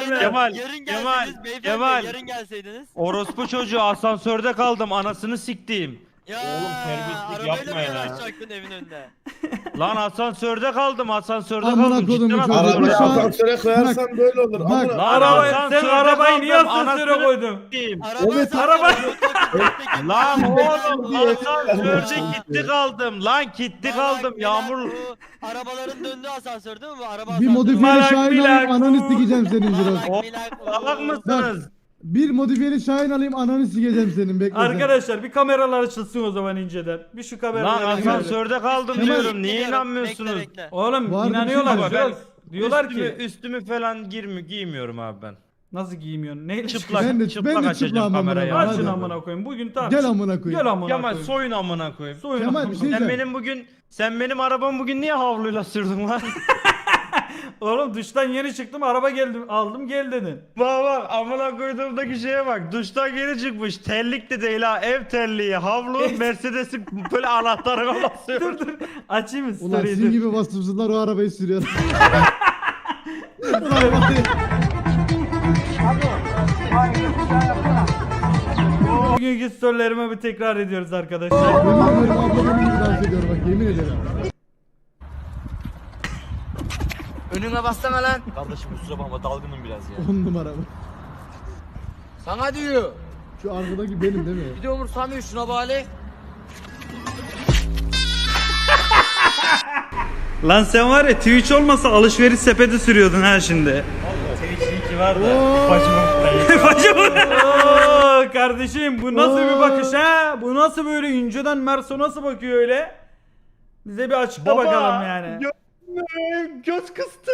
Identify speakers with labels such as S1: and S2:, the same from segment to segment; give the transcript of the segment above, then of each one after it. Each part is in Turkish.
S1: gelme.
S2: Kemal,
S3: Yarın
S2: Kemal,
S3: gelseydiniz beyefendi,
S2: Kemal.
S3: yarın gelseydiniz.
S2: Orospu çocuğu asansörde kaldım anasını siktiğim.
S3: Ya
S4: Oğlum, terbiyesizlik
S3: arabayla
S4: yapma
S3: mı
S4: ya.
S3: yanaşacaktın evin önünde?
S2: Lan asansörde kaldım asansörde
S5: Amına
S2: kaldım.
S5: kodumun
S2: Cidden
S5: çocuğu.
S2: asansörde
S5: Arabayı
S4: Arabayı
S2: kaldım.
S4: asansöre koyarsan böyle olur.
S5: Bak.
S4: Amına.
S2: Lan
S1: Sen
S2: asansörde
S1: arabayı niye
S2: kaldım,
S1: asansöre
S2: anasını
S1: koydun?
S2: sikeyim.
S4: Evet,
S2: Lan oğlum
S4: diye.
S2: asansörde gitti kaldım. Lan gitti kaldım yağmur.
S3: Arabaların döndüğü asansör değil mi bu? Araba
S5: Bir
S3: asansörü.
S5: modifiyeli
S1: Malak,
S5: Şahin
S1: milak.
S5: alayım ananı sikeceğim senin Jiroz.
S2: Salak mısınız?
S5: Bir modifiyeli Şahin alayım ananı sikeceğim senin bekle sen.
S1: Arkadaşlar bir kameralar açılsın o zaman inceden. Bir şu
S2: Lan
S1: kameraları görelim.
S2: asansörde kaldım
S5: Kemal-
S2: diyorum. Niye inanmıyorsunuz?
S1: Oğlum
S5: Vardı bir
S1: inanıyorlar
S5: şey
S1: Jiroz. Diyorlar
S2: üstümü,
S1: ki
S2: üstümü falan giymiyorum abi ben.
S1: nasıl giymiyorsun? Neyle
S2: Çıplak,
S5: Ben de-
S2: çıplak
S5: ben de
S2: açacağım
S5: çıplağım amına
S2: kamerayı.
S5: koyayım.
S1: Açın
S5: Hadi.
S1: amına koyayım. Bugün tamam.
S5: Gel amına koyayım.
S1: Gel amına
S2: Kemal
S1: koyayım.
S2: soyun amına koyayım.
S1: Soyun
S5: Kemal,
S1: amına
S5: bir şey
S1: koyayım.
S2: Sen benim arabamı bugün niye havluyla sürdün lan?
S1: Oğlum duştan yeni çıktım araba geldim aldım gel dedin.
S2: Bak amına koyduğumdaki şeye bak. Duştan geri çıkmış. Terlik de değil ha. Ev terliği, havlu, Mercedes'in böyle anahtarına basıyor.
S1: Dur dur açayım mı
S5: Ulan
S1: story'i?
S5: sizin
S1: dur.
S5: gibi vasıfsızlar o arabayı sürüyor.
S1: Bugünkü storylerimi bir tekrar ediyoruz arkadaşlar.
S5: Yemin ederim abla benim gibi dans ediyor bak yemin ederim.
S6: Önüne bassana lan.
S4: Kardeşim kusura bakma dalgınım biraz ya.
S5: 10 numara bu.
S6: Sana diyor.
S5: Şu arkadaki benim değil mi?
S6: Bir de umursamıyor şuna bari.
S1: Lan sen var ya Twitch olmasa alışveriş sepeti sürüyordun ha şimdi.
S2: Twitch var da.
S1: Oo, kardeşim bu nasıl bir bakış ha? Bu nasıl böyle inceden Merso nasıl bakıyor öyle? Bize bir açıkla bakalım yani.
S2: Göz kıstı.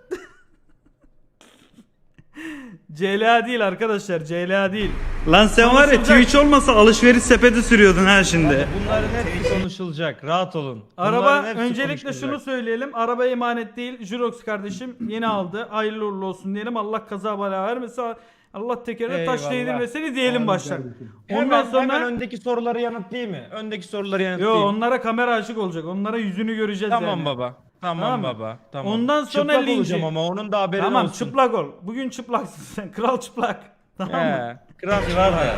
S1: CLA değil arkadaşlar CLA değil. Lan sen var ya Twitch olmasa alışveriş sepeti sürüyordun ha şimdi.
S2: Bunların hepsi konuşulacak. Rahat olun.
S1: Araba
S2: Bunların hepsi
S1: öncelikle
S2: konuşulacak.
S1: şunu söyleyelim. Araba emanet değil. Jurox kardeşim yeni aldı. Hayırlı uğurlu olsun diyelim. Allah kaza bela vermesin. Allah tekerine taş
S2: Eyvallah.
S1: değdirmesini diyelim
S5: Amin
S1: baştan.
S5: kardeşim.
S1: Ondan sonra
S2: hemen öndeki soruları yanıtlayayım mı? Öndeki soruları
S1: yo
S2: yanıtlayayım.
S1: onlara kamera açık olacak. Onlara yüzünü göreceğiz
S2: Tamam
S1: yani.
S2: baba. Tamam,
S1: Tamam mı?
S2: baba. Tamam.
S1: Ondan sonra
S2: çıplak
S1: linci.
S2: olacağım ama onun da haberi
S1: Tamam
S2: olsun.
S1: çıplak ol. Bugün çıplaksın sen. Kral çıplak. Tamam mı?
S2: He. Kral var ya.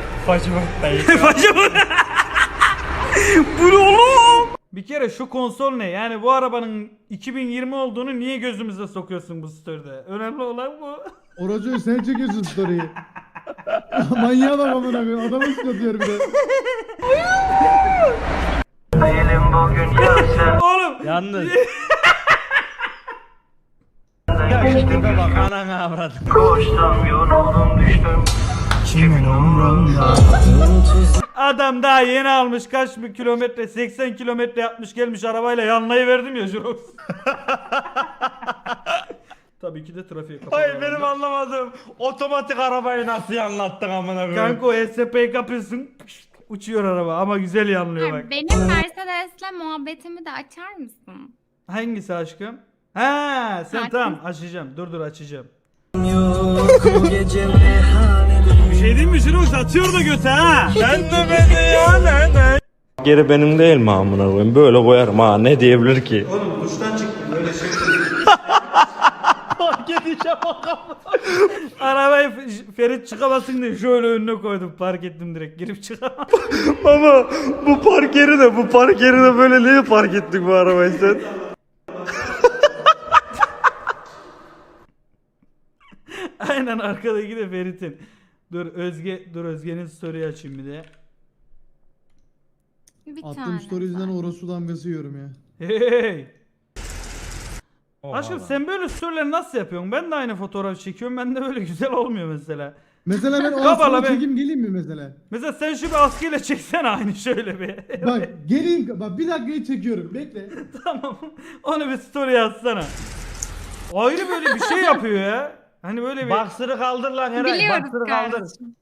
S1: Bu ne oğlum? Bir kere şu konsol ne? Yani bu arabanın 2020 olduğunu niye gözümüze sokuyorsun bu story'de? Önemli olan bu.
S5: Oracı sen çekiyorsun story'i. Manyağa bak amına koyayım adamı sıkatıyor bir de.
S1: Oğlum.
S2: Yalnız. Ya işte bak anana avradım.
S1: Adam daha yeni almış kaç bir kilometre 80 kilometre yapmış gelmiş arabayla yanlayı verdim ya Jurox. Tabii ki de trafiğe kapalı.
S2: Hayır benim anlamadım. Otomatik arabayı nasıl anlattın amına koyayım?
S1: Kanka o SP'yi kapıyorsun uçuyor araba ama güzel yanlıyor bak.
S7: Benim Mercedes'le muhabbetimi de açar mısın?
S1: Hangisi aşkım? Ha sen
S7: Sakin.
S1: tamam açacağım dur açacağım. Bir şey değil mi Jurox atıyor da göte ha.
S2: Sen de beni ya ne? Geri benim değil mi amına koyayım? Böyle koyarım ha ne diyebilir ki?
S1: Oğlum duştan çıktım böyle şey.
S2: Fark edişe bak.
S1: Arabayı Ferit çıkamasın diye şöyle önüne koydum park ettim direkt girip çıkamam.
S2: Ama bu park yeri de böyle niye park ettik bu arabayı sen?
S1: Aynen arkadaki de Ferit'in. Dur Özge'nin story'i açayım bir de.
S7: Bir
S5: Attığım
S7: tane.
S5: story yüzünden orası damgası yiyorum ya.
S1: Hey. Aşkım sen böyle story'leri nasıl yapıyorsun? Ben de aynı fotoğraf çekiyorum. Ben de böyle güzel olmuyor mesela.
S5: Mesela ben o
S1: Kavala
S5: askıya
S1: be.
S5: çekeyim geleyim mi mesela?
S1: Mesela sen şu bir askıyla çeksene aynı şöyle bir.
S5: Bak geleyim bak bir dakikayı çekiyorum bekle.
S1: Tamam. Onu bir story yazsana. Ayrı böyle bir şey yapıyor ya. Hani böyle bir
S2: Baksırı kaldır lan Eray.
S7: Biliyoruz
S2: Baksırı kaldır.
S7: kardeşim.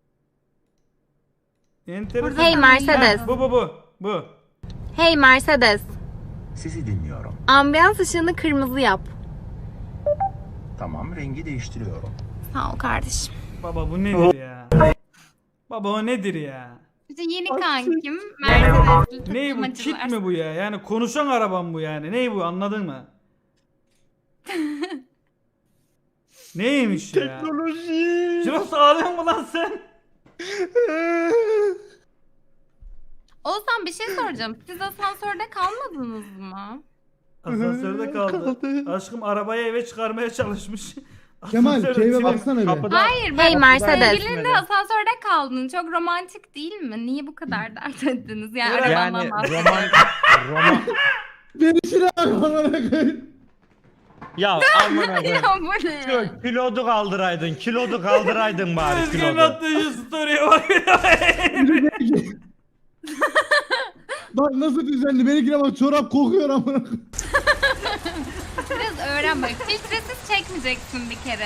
S1: enteresan.
S7: Hey Mercedes.
S1: Ha, bu.
S7: Hey Mercedes.
S8: Sizi dinliyorum.
S7: Ambiyans ışığını kırmızı yap.
S8: Tamam, rengi değiştiriyorum.
S7: Sağ ol kardeşim.
S1: Baba bu nedir ya? Baba o nedir ya?
S7: İşte yeni kankim Mercedes'li
S1: Ney bu? Kit mi bu ya? Yani konuşan arabam bu yani. Ney bu anladın mı? Neymiş ya?
S2: Teknoloji.
S1: Jirox ağlıyor mu lan sen?
S7: Oğuzhan bir şey soracağım. Siz asansörde kalmadınız mı?
S1: Asansörde kaldı. Aşkım arabayı eve çıkarmaya çalışmış.
S5: Kemal
S1: Asansörün
S5: keyfe
S1: içine-
S5: baksana bir.
S2: Kapıda
S7: Hayır
S9: Hey Mercedes.
S7: sevgilinle asansörde kaldın. Çok romantik değil mi? Niye bu kadar dert ettiniz? Yani
S2: yani
S7: arabandan bahsediyorum.
S2: roman
S5: Beni şuna bak amına koyayım.
S2: ya amına koyayım.
S7: Ya bu ne?
S2: Şu kilodu kaldıraydın. Kilodu kaldıraydın bari
S1: Özge'nin
S2: kilodu.
S1: attığı şu story'e bak.
S5: Bak nasıl düzenli. Benimkine bak çorap kokuyor amına koyayım.
S7: Biraz öğren bak. Filtresiz çekmeyeceksin bir kere.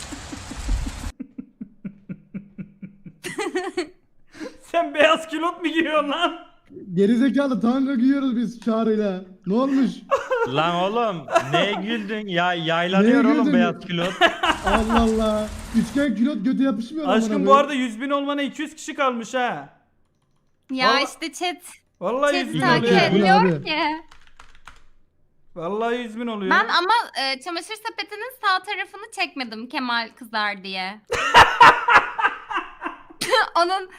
S1: Sen beyaz kilot mu giyiyorsun lan?
S5: Gerizekalı tanrı giyiyoruz biz Çağrı'yla. Ne olmuş?
S2: Lan oğlum neye güldün? Ya yaylanıyor
S5: Neye
S2: oğlum
S5: güldün?
S2: beyaz kilot.
S5: Allah Allah. Üçgen külot götü yapışmıyor amına
S1: Aşkım bu
S5: koyayım.
S1: arada 100.000 olmana 200 kişi kalmış ha.
S7: Ya
S1: Vallahi-
S7: işte chat
S1: Vallahi 100.000
S7: takip
S1: oluyor.
S5: ediyor.
S7: ediyor
S5: Abi.
S7: ki.
S1: Vallahi 100.000 oluyor.
S7: Ben ama çamaşır sepetinin sağ tarafını çekmedim Kemal kızar diye. Onun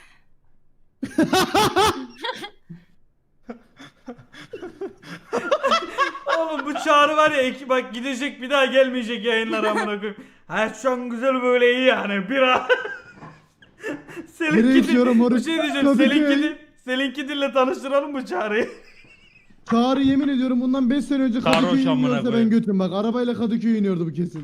S1: Oğlum bu Çağrı var ya bak gidecek bir daha gelmeyecek yayınlara amına koyayım. Hayat şu an güzel böyle iyi yani bir an.
S5: Nereye gidiyorum
S1: bir
S5: orası?
S1: şey diyeceğim.
S5: Kadıköy.
S1: Selinki dille tanıştıralım bu Çağrı'yı.
S5: Çağrı yemin ediyorum bundan 5 sene önce
S2: Sarhoş
S5: Kadıköy'e
S2: amına
S5: iniyorsa ben
S2: koyayım.
S5: götüm bak. Arabayla Kadıköy'e iniyordu bu kesin.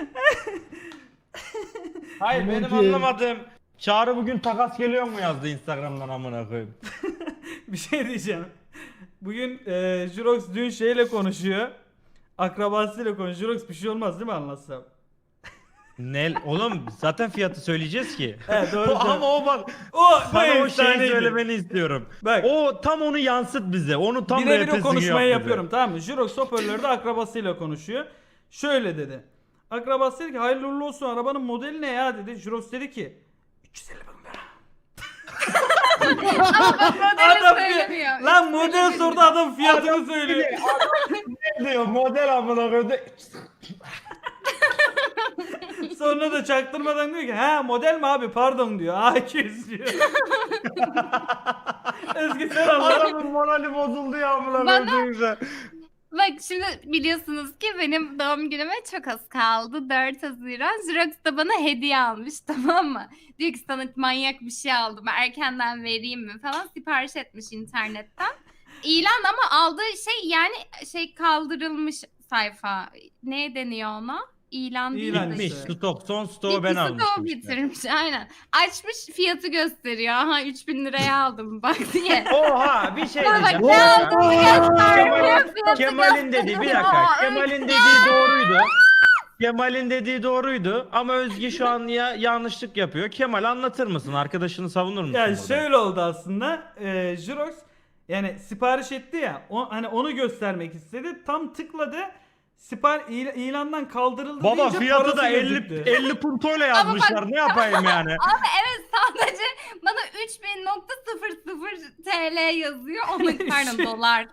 S2: Hayır
S5: Aman
S2: benim
S5: ki.
S2: anlamadığım Çağrı bugün takas geliyor mu yazdı Instagram'dan amına koyayım.
S1: Bir şey diyeceğim. Bugün Jirox dün şeyle konuşuyor. Akrabasıyla konuşuyor. Jirox bir şey olmaz değil mi anlatsam?
S2: Ne oğlum zaten fiyatı söyleyeceğiz ki.
S1: He doğru.
S2: Ama o bak
S1: o bu
S2: sana o şeyi
S1: efsaneydi.
S2: söylemeni istiyorum.
S1: Bak.
S2: O tam onu yansıt bize. Onu tam
S1: Birebir o
S2: repesini
S1: konuşmayı
S2: yap bize.
S1: yapıyorum tamam mı? Jirox hoparlörde akrabasıyla konuşuyor. Şöyle dedi. Akrabası dedi ki hayırlı uğurlu olsun arabanın modeli ne ya dedi. Jirox dedi ki 350 bin lira. Adam
S7: söylemiyor.
S1: lan model sordu adam fiyatını söylüyor.
S2: Ne diyor model amına koyayım.
S1: Sonra da çaktırmadan diyor ki ha model mi abi pardon diyor. A200 diyor. Özgü sen anla.
S2: Adamın morali bozuldu ya amına
S7: Bana-
S2: koyayım.
S7: Bak şimdi biliyorsunuz ki benim doğum günüme çok az kaldı. 4 Haziran. Jirox da bana hediye almış tamam mı? Diyor ki sana manyak bir şey aldım. Erkenden vereyim mi falan. Sipariş etmiş internetten. İlan ama aldığı şey yani şey kaldırılmış sayfa. Ne deniyor ona? İlan değil
S1: İlan
S7: de.
S2: Bitmiş
S1: işte.
S2: stok son stoğu ben
S7: İkisi de o
S2: almıştım işte.
S7: bitirmiş aynen. Açmış fiyatı gösteriyor. Aha 3000 liraya aldım bak diye.
S2: Oha bir şey
S7: Bana bak
S2: diyeceğim.
S7: ne aldığını göstermiyor. fiyatı
S2: Kemal'in dediği bir dakika.
S7: gösteriyor.
S2: Kemal'in dediği doğruydu. Kemal'in dediği doğruydu ama Özge şu an ya yanlışlık yapıyor. Kemal anlatır mısın? Arkadaşını savunur musun?
S1: Yani
S2: burada?
S1: şöyle oldu aslında. Jirox yani sipariş etti ya. Hani onu göstermek istedi. Tam tıkladı. İlandan kaldırıldı
S2: Baba
S1: deyince
S2: fiyatı
S1: parası
S2: da 50
S1: gözüktü.
S2: 50 puntoyla yazmışlar. Ne yapayım yani?
S7: Ama evet sadece bana 3000.00 TL yazıyor. Onun pardon dolar.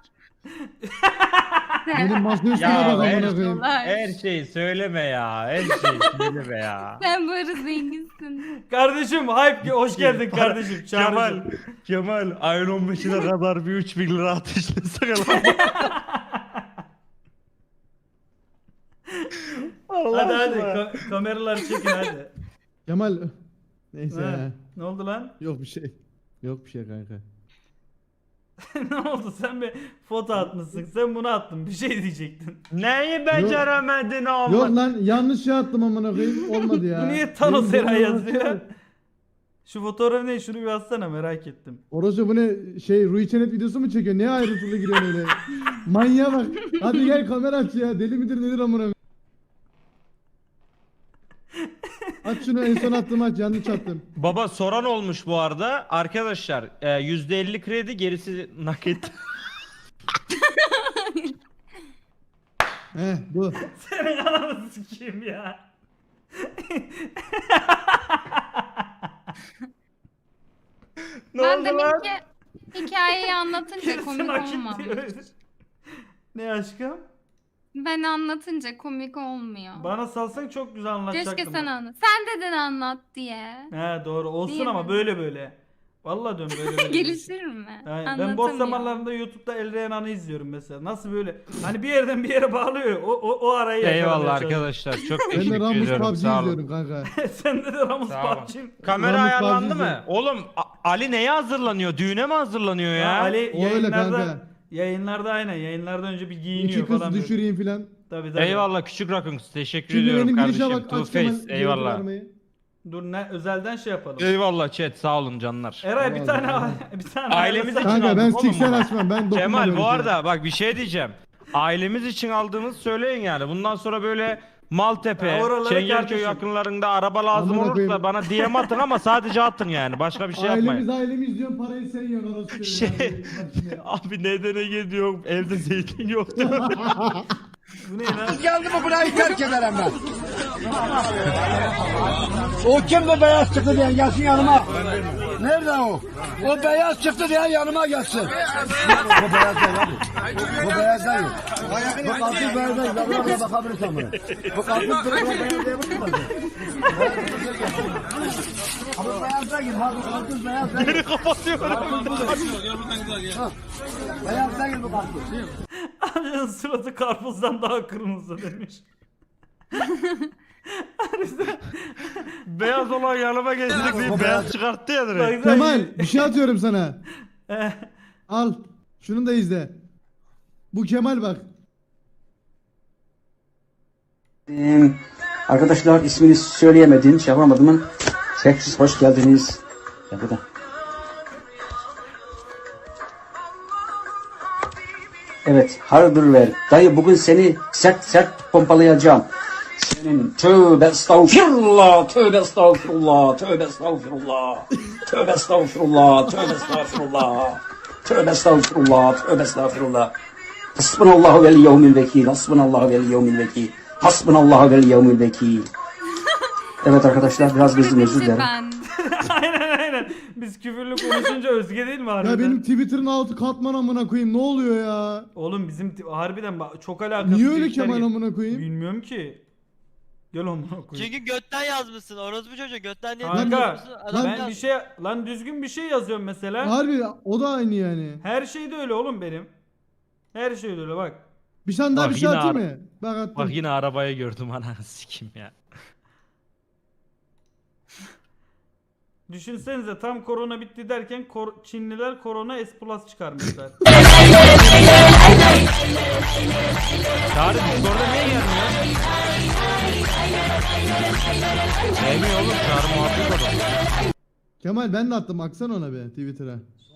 S5: Benim masa üstüne
S2: Ya
S5: bak amına
S2: her,
S5: koyayım.
S7: Dolar.
S2: her şeyi söyleme ya. Her şeyi söyleme ya.
S7: Sen bu arada zenginsin.
S1: Kardeşim hype hoş geldin kardeşim.
S2: Kemal,
S1: Çağrı'cığım.
S2: Kemal ayın 15'ine kadar bir 3000 lira ateşlesene lan. Allah
S1: Hadi hadi
S2: aşkına.
S1: kameraları çekin hadi.
S5: Kemal. Neyse
S1: Ha,
S5: ya.
S1: ne oldu lan?
S5: Yok bir şey. Yok bir şey kanka.
S1: Ne oldu sen bir foto atmışsın. Sen bunu attın. Bir şey diyecektin.
S2: Neyi beceremedin ama?
S5: Yok lan yanlış şey attım amına koyayım. Olmadı ya.
S1: Bu niye Thanos
S5: Benim
S1: Eray
S5: bu-
S1: yazıyor? Şu fotoğrafı ne? Şunu bir atsana merak ettim.
S5: Orası bu ne şey Rui Çenet videosu mu çekiyor? Ne ayrıntılı giriyor öyle? Manyağa bak. Hadi gel kamera aç ya. Deli midir nedir amına koyayım? Aç şunu en son attım aç yanlış attım.
S2: Baba soran olmuş bu arada. Arkadaşlar %50 kredi gerisi nakit.
S5: Bu.
S1: Senin ananı sikeyim ya.
S2: Ne
S7: Ben
S2: oldu
S7: demin
S2: lan?
S7: ki hikayeyi anlatınca
S1: Gerisi
S7: komik
S1: nakit
S7: olmamış.
S1: diyor. Ne aşkım?
S7: Ben anlatınca komik olmuyor.
S1: Bana salsan çok güzel anlatacaktım.
S7: Keşke sen anlat. Sen dedin anlat diye.
S1: He doğru olsun
S7: Değil
S1: ama
S7: mi?
S1: böyle. Vallahi diyorum böyle.
S7: Gelişir mi?
S1: Aynen. Ben boş
S7: Anlatamıyor.
S1: zamanlarında YouTube'da El Reyhan'ı izliyorum mesela. Nasıl böyle? Hani bir yerden bir yere bağlıyor. O arayı yakalamaya
S2: Eyvallah
S1: çalışıyor.
S2: arkadaşlar. Çok
S5: Ben de
S2: teşekkür
S5: Ramus
S2: ediyorum.
S5: PUBG
S2: Sağ olun.
S5: izliyorum kanka.
S1: Sende de Ramus
S2: Sağ olun.
S1: PUBG.
S2: Kamera
S5: Ramus
S2: ayarlandı
S5: PUBG
S2: mı?
S5: izliyorum.
S2: Oğlum Ali neye hazırlanıyor? Düğüne mi hazırlanıyor
S1: Ya
S2: ya?
S1: Ali
S5: O öyle
S1: yayınlarda
S5: kanka.
S1: aynen yayınlardan önce bir
S5: İki
S1: giyiniyor
S5: kız
S1: falan. böyle.
S5: düşüreyim filan.
S1: Tabii.
S2: Eyvallah küçük Rakun. Teşekkür
S5: Şimdi
S2: ediyorum
S5: benim girişe
S2: kardeşim.
S5: bak.
S2: Two
S5: Aç Kemal.
S2: Face. Eyvallah.
S1: Dur ne özelden şey yapalım.
S2: Eyvallah chat sağ olun canlar.
S1: Eray bir tane
S5: Eyvallah.
S1: bir tane
S2: Ailemiz
S1: ayarlasana.
S2: için
S5: Kanka ben
S2: aldım oğlum
S5: siksen
S2: bunu.
S5: açmam. Ben dokunmam
S2: Kemal
S5: öyle
S2: bu
S5: şeye.
S2: arada bak bir şey diyeceğim. Ailemiz için aldığımız söyleyin yani. Bundan sonra böyle Maltepe,
S1: Ya oralara
S2: Çengelköy
S1: kardeşim.
S2: yakınlarında araba lazım
S5: Amına
S2: olursa
S5: koyayım.
S2: bana DM atın ama sadece atın yani. Başka bir şey yapmayın.
S5: Ailemiz diyorsun parayı sen yiyorsun orası.
S2: Şey- Abi nedene gidiyorum? Evde zeytin yoktu.
S1: Bu ne lan?
S6: Geldi mi burayı terk ederim ben. O kim bu beyaz çıktı diye gelsin yanıma. Nerede o? O beyaz çıktı diye yanıma gelsin. Bu beyaz değil abi. Bu beyaz değil. Bu kalkıp beyaz değil. Ben buna bakabilirsem buna. Bu kalkıp beyaz diye bakılmaz. Ama beyaz değil. Ha bu kalkıp beyaz değil.
S2: Beni kapatıyorum.
S6: Beyaz değil bu kalkıp.
S1: Amcanın suratı karpuzdan daha kırmızı demiş.
S2: Beyaz olan yanıma geçtik diye beyaz çıkarttı ya direkt.
S5: Kemal bir şey atıyorum sana.
S1: Eh,
S5: Al. Şunu da izle. Bu Kemal bak.
S9: Arkadaşlar ismini söyleyemedim, şey yapamadım. Tekrar hoş geldiniz. Ya bu da. Evet, hardır ver. Dayı bugün seni sert pompalayacağım. Senin tövbe estağfirullah, tövbe estağfirullah, tövbe estağfirullah, tövbe estağfirullah, tövbe estağfirullah, tövbe estağfirullah, tövbe estağfirullah. Hasbunallahu vel yevmil vekil, hasbunallahu vel yevmil vekil, hasbunallahu vel yevmil vekil. Evet arkadaşlar biraz gözüm özür dilerim.
S7: Ben.
S1: aynen. Biz küfürlü konuşunca Özge değil mi harbiden?
S5: Ya benim Twitter'ın altı katman amına koyayım. Ne oluyor ya?
S1: Oğlum bizim harbiden çok alakasız.
S5: Niye öyle
S1: işler
S5: Kemal
S1: gel-
S5: amına koyayım?
S1: Bilmiyorum ki. Gel amına koyayım.
S3: Çünkü götten yazmışsın. Orospu çocuğu götten niye
S1: Kanka
S3: yazmışsın? Adam
S1: ben
S3: yaz-
S1: bir şey lan düzgün bir şey yazıyorum mesela.
S5: Harbi o da aynı yani.
S1: Her şey de öyle oğlum benim. Her şey de öyle bak.
S5: Bir tane daha
S2: Bak
S5: bir şey
S2: yine
S5: atayım
S2: ara-
S5: mı? Bak attım.
S2: Bak yine arabayı gördüm ananı sikim ya.
S1: Düşünsenize tam korona bitti derken Çinliler korona S Plus çıkarmışlar.
S2: Çağrı Discord'a niye gelmiyor? Gelmiyor oğlum Çağrı muhabbet adam.
S5: Kemal ben de attım. Baksana ona be Twitter'a.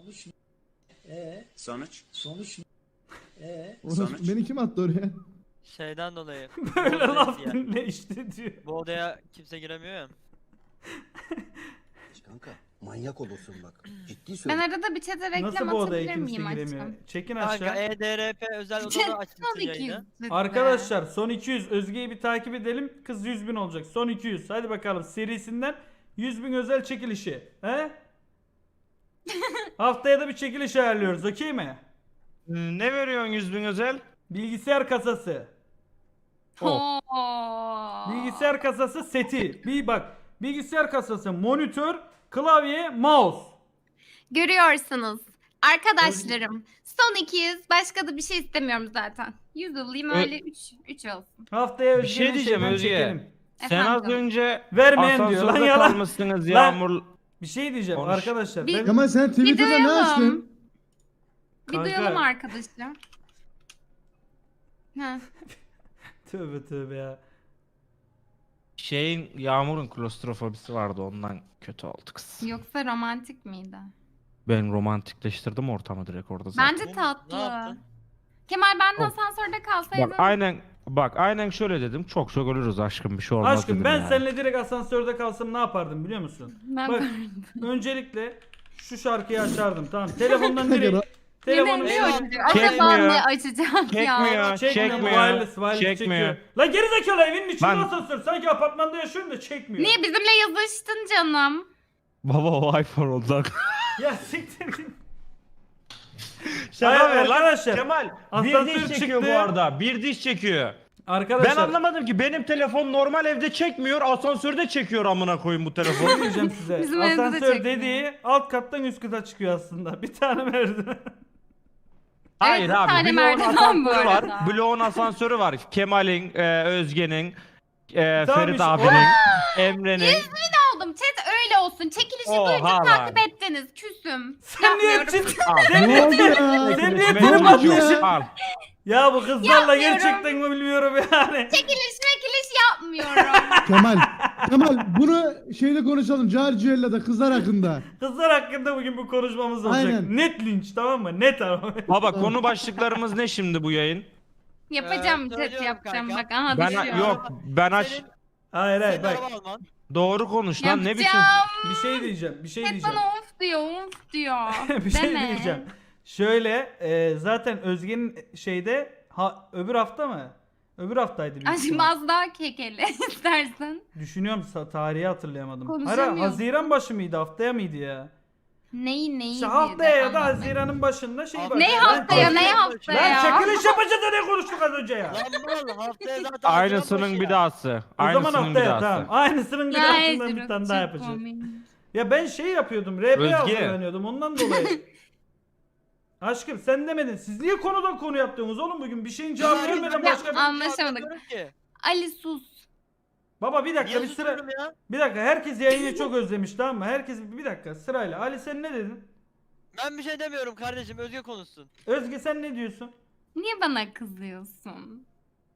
S8: Sonuç?
S5: Beni kim attı oraya?
S3: Şeyden dolayı.
S1: Böyle
S3: Bu odaya-
S1: laf dinle işte diyor.
S3: Bu odaya kimse giremiyor ya.
S8: Kanka manyak olursun bak. Ciddi
S7: Ben
S8: söylüyorum.
S7: arada bir çete reklam
S1: Nasıl bu odaya
S7: atabilir
S1: kimse
S7: miyim
S1: giremiyor?
S7: aşkım?
S1: Çekin
S3: Kanka
S1: aşağı.
S3: EDRP özel
S7: Çete
S3: odada açmışsın
S7: son 200
S3: yayını.
S7: lütfen.
S1: Arkadaşlar son 200 Özge'yi bir takip edelim. Kız 100.000 olacak. Son 200. Hadi bakalım serisinden 100.000 özel çekilişi. He? Haftaya da bir çekiliş ayarlıyoruz. Okey mi?
S2: Ne veriyorsun 100.000 özel?
S1: Bilgisayar kasası.
S7: Oo.
S1: Bilgisayar kasası seti. Bir bak. Bilgisayar kasası, monitör, klavye, mouse.
S7: Görüyorsunuz. Arkadaşlarım. Son 200. Başka da bir şey istemiyorum zaten. 100 alayım öyle 3 olsun.
S1: Haftaya
S2: Bir şey
S1: Özge'nin
S2: diyeceğim
S1: şeyden
S2: Özge.
S1: çekelim.
S2: Sen az
S7: Efendim?
S2: önce
S1: Vermeyen diyor lan
S2: asansörde
S1: yalan.
S2: kalmışsınız
S1: Lan.
S2: Yağmur.
S1: Bir şey diyeceğim
S2: Konuş.
S1: arkadaşlar.
S7: Bir-
S1: Ben...
S5: Kemal sen Twitter'da ne
S7: duyalım.
S5: açtın?
S7: Bir
S1: Kanka.
S7: duyalım arkadaşlar. Ha.
S1: Tövbe tövbe ya.
S2: Şeyin Yağmur'un klostrofobisi vardı ondan kötü oldu kız.
S7: Yoksa romantik miydi?
S2: Ben romantikleştirdim ortamı direkt orada zaten.
S7: Bence
S3: Ne
S7: tatlı.
S3: yaptın?
S7: Kemal ben de
S2: Oh.
S7: asansörde kalsaydım.
S2: Aynen şöyle dedim. Çok ölürüz aşkım bir şey olmaz
S1: Aşkım
S2: dedim
S1: ben
S2: yani.
S1: seninle direkt asansörde kalsam ne yapardım biliyor musun?
S7: Ben
S1: Bak öncelikle şu şarkıyı açardım tamam. Telefondan direkt telefonu
S7: Yine ne
S3: Eyvah.
S7: açacak?
S2: Çekmiyor.
S7: Acaba ne açacak ya?
S2: Çekmiyor.
S1: wireless
S2: Çekmiyor.
S1: çekiyor. La gerizekalı evinin içinde
S2: Ben-
S1: asansör. Sanki apartmanda yaşıyorum da çekmiyor.
S7: Niye bizimle yazıştın canım?
S2: Baba o iPhone oldu.
S1: Ya siktir git.
S2: Şaka
S1: Hayır,
S2: ver lan.
S1: arkadaşlar,
S2: Kemal bir
S1: asansör
S2: diş çekiyor
S1: çıktı.
S2: bu arada. Bir diş çekiyor.
S1: Arkadaşlar
S2: Ben anlamadım ki benim telefon normal evde çekmiyor, asansörde çekiyor amına koyayım bu telefonu.
S1: ne diyeceğim size.
S7: Bizim evde de
S1: Asansör
S7: çekmiyor.
S1: dediği alt kattan üst kata çıkıyor aslında. Bir tane merdiven.
S2: Hayır
S7: bir
S2: abi,
S7: tane
S2: bloğun
S7: merdiven bu
S2: asansörü var.
S7: arada.
S2: Bloğun asansörü var. Kemal'in, Özge'nin,
S1: Tamam
S2: Ferit
S1: işte,
S2: abinin, Emre'nin.
S7: Oldum. Chat öyle olsun. Çekilişi
S2: Oha
S7: duyunca
S2: lan.
S7: takip ettiniz. Küsüm.
S1: Sen niye
S7: Yapmıyorum.
S1: ciddi?
S5: Ne oldu ya?
S1: Sen niye
S5: Ne
S1: trip
S5: oldu
S1: atıyorsun?
S5: ya?
S2: Al.
S1: Ya bu kızlarla
S7: Yapmıyorum.
S1: gerçekten mi bilmiyorum yani.
S7: Çekiliş yapmıyorum.
S5: Kemal bunu şeyde konuşalım. Carciella'da kızlar hakkında.
S1: Kızlar hakkında bugün bu konuşmamız olacak.
S5: Aynen.
S1: Net linç, tamam mı? Net ama.
S2: Baba konu başlıklarımız ne şimdi bu yayın?
S7: Yapacağım chat
S3: söylüyorum
S7: yapacağım.
S3: kanka.
S7: Bak aha
S2: Ben
S7: düşüyor.
S2: yok ben aç
S3: Senin,
S1: Hayır hayır
S3: senin
S1: bak.
S3: araba alman.
S2: doğru konuş lan ne biçim.
S7: Yapacağım.
S1: Bir şey diyeceğim. Bir şey
S7: Chat
S1: diyeceğim.
S7: bana of diyor, of diyor.
S1: Bir şey
S7: Deme.
S1: diyeceğim. Şöyle zaten Özge'nin şeyde öbür hafta mı? Öbür haftaydı büyük
S7: Aşkım
S1: ihtimal.
S7: az daha kekele istersen.
S1: Düşünüyorum, tarihi hatırlayamadım. Hayır,
S7: Konuşamıyorsun.
S1: Haziran başı mıydı, haftaya mıydı ya?
S7: Neyi
S1: İşte
S7: diye
S1: haftaya ya da
S7: anlatmayın.
S1: Haziran'ın başında şey
S3: Haftaya-
S1: var.
S7: Ne haftaya ne
S1: Lan
S7: haftaya?
S1: çekiliş yapacağız da ne konuştuk az önce ya?
S3: Lan mal haftaya zaten
S2: Aynısının
S3: Haziran
S2: bir
S3: başı ya.
S2: dahası.
S1: O zaman
S2: Aynısının bir
S1: haftaya
S2: dahası.
S1: tamam. Aynısının bir
S7: Ya
S1: dahasından bir
S7: Ezra,
S1: tane daha
S7: çok
S1: yapacağız.
S7: komik.
S1: Ya ben şey yapıyordum, RP
S2: Özge.
S1: hazırlanıyordum ondan dolayı. Aşkım sen demedin. Siz niye konudan konu yaptınız oğlum bugün? Bir şeyin cevabı vermeden
S7: Ya,
S1: başka bir...
S7: anlaşamadık.
S3: Anlamıyorum ki.
S7: Ali sus.
S1: Baba bir dakika
S3: Niye
S1: bir sıra...
S3: susuyorum ya?
S1: Bir dakika, herkes yayını çok özlemiş, tamam mı? Herkes bir dakika sırayla. Ali sen ne dedin?
S3: Ben bir şey demiyorum kardeşim, Özge konuşsun.
S1: Özge sen ne diyorsun?
S7: Niye bana kızıyorsun?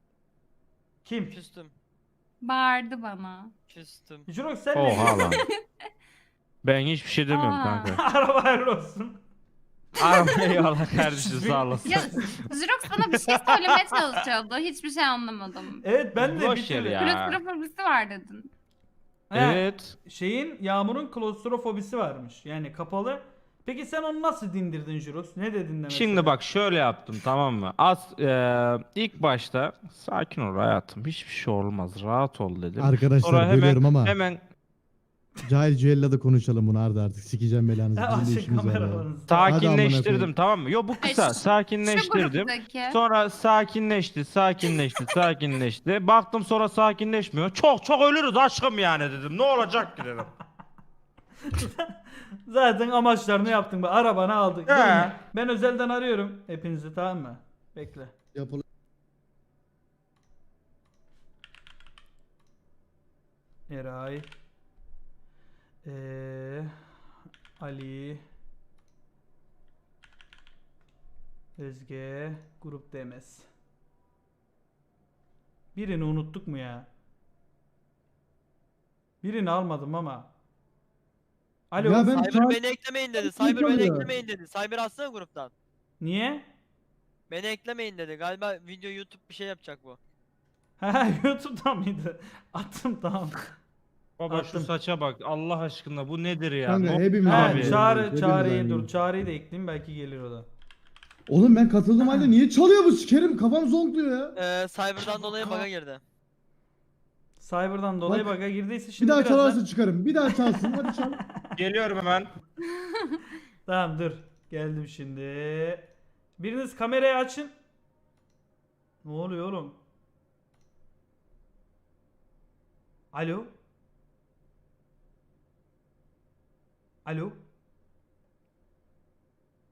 S1: Kim?
S3: Küstüm.
S7: Bağırdı bana.
S3: Küstüm.
S1: Jirok sen ne
S2: Oha
S1: diyorsun?
S2: lan. Ben hiçbir şey demiyorum
S7: Aa.
S2: kanka.
S1: Araba hayırlı olsun.
S2: Abi eyvallah kardeşim sağ olasın.
S7: Ya Jirox sana bir şey söylemeye çalışıyordu. Hiçbir şey anlamadım.
S1: Evet ben de
S2: Boş
S1: bir
S2: yer
S1: türlü...
S2: ya.
S7: Klostrofobisi var dedin.
S1: He,
S2: Evet.
S1: Şeyin, Yağmur'un klostrofobisi varmış. Yani kapalı. Peki sen onu nasıl dindirdin Jirox? Ne dedin de mesela?
S2: Şimdi bak şöyle yaptım tamam mı? İlk başta sakin ol hayatım hiçbir şey olmaz rahat ol dedim.
S5: Arkadaşlar
S2: Sonra hemen
S5: bölüyorum ama
S2: hemen
S5: Carciella'da konuşalım bunu Arda artık. Sikeceğim belanızı.
S1: Ha,
S5: Bizim de
S1: açın
S5: işimiz var ya.
S1: kameralarınızı.
S5: Hadi amına
S2: sakinleştirdim
S5: koyayım.
S2: tamam mı? Yo bu kısa
S7: Şu
S2: sakinleştirdim.
S7: gruptaki.
S2: Sonra sakinleşti. Baktım sonra sakinleşmiyor. Çok ölürüz aşkım yani dedim. Ne olacak ki dedim.
S1: Zaten amaçlarını yaptın. Bak, arabanı aldık.
S2: He.
S1: Durun. Ben özelden arıyorum hepinizi, tamam mı? Bekle.
S5: Yapılı.
S1: Eray. Ali. Özge. Grup Demes. Birini unuttuk mu ya? Birini almadım ama. Alo.
S5: Ya ben-
S3: Cyber beni eklemeyin dedi. Cyber beni
S5: kalıyor.
S3: eklemeyin dedi. Cyber atsana gruptan.
S1: Niye?
S3: Beni eklemeyin dedi. Galiba video YouTube bir şey yapacak bu.
S1: Ha, YouTube'dan mıydı? Attım, tamam.
S2: Baba
S1: Attım.
S2: şu saça bak Allah aşkına bu nedir ya?
S5: Kanka,
S2: Ne-
S5: hepimiz
S1: Ha,
S5: aynı.
S1: çağrı, çağrıyı
S5: Hepimiz
S1: dur.
S5: aynı.
S1: Çağrıyı da ekleyeyim, belki gelir o da.
S5: Oğlum ben katıldığım halde niye çalıyor bu sikerim? Kafam zonkluyor ya.
S3: Cyber'dan dolayı bug'a girdi.
S1: Cyber'dan dolayı
S5: Bak,
S1: bug'a girdiyse
S5: Bir
S1: şimdi
S5: daha
S1: birazdan...
S5: çalarsa çıkarım. Bir daha çalsın. Hadi çal.
S2: Geliyorum hemen.
S1: Tamam dur. Geldim şimdi. Biriniz kamerayı açın. Ne oluyor oğlum? Alo? Alo?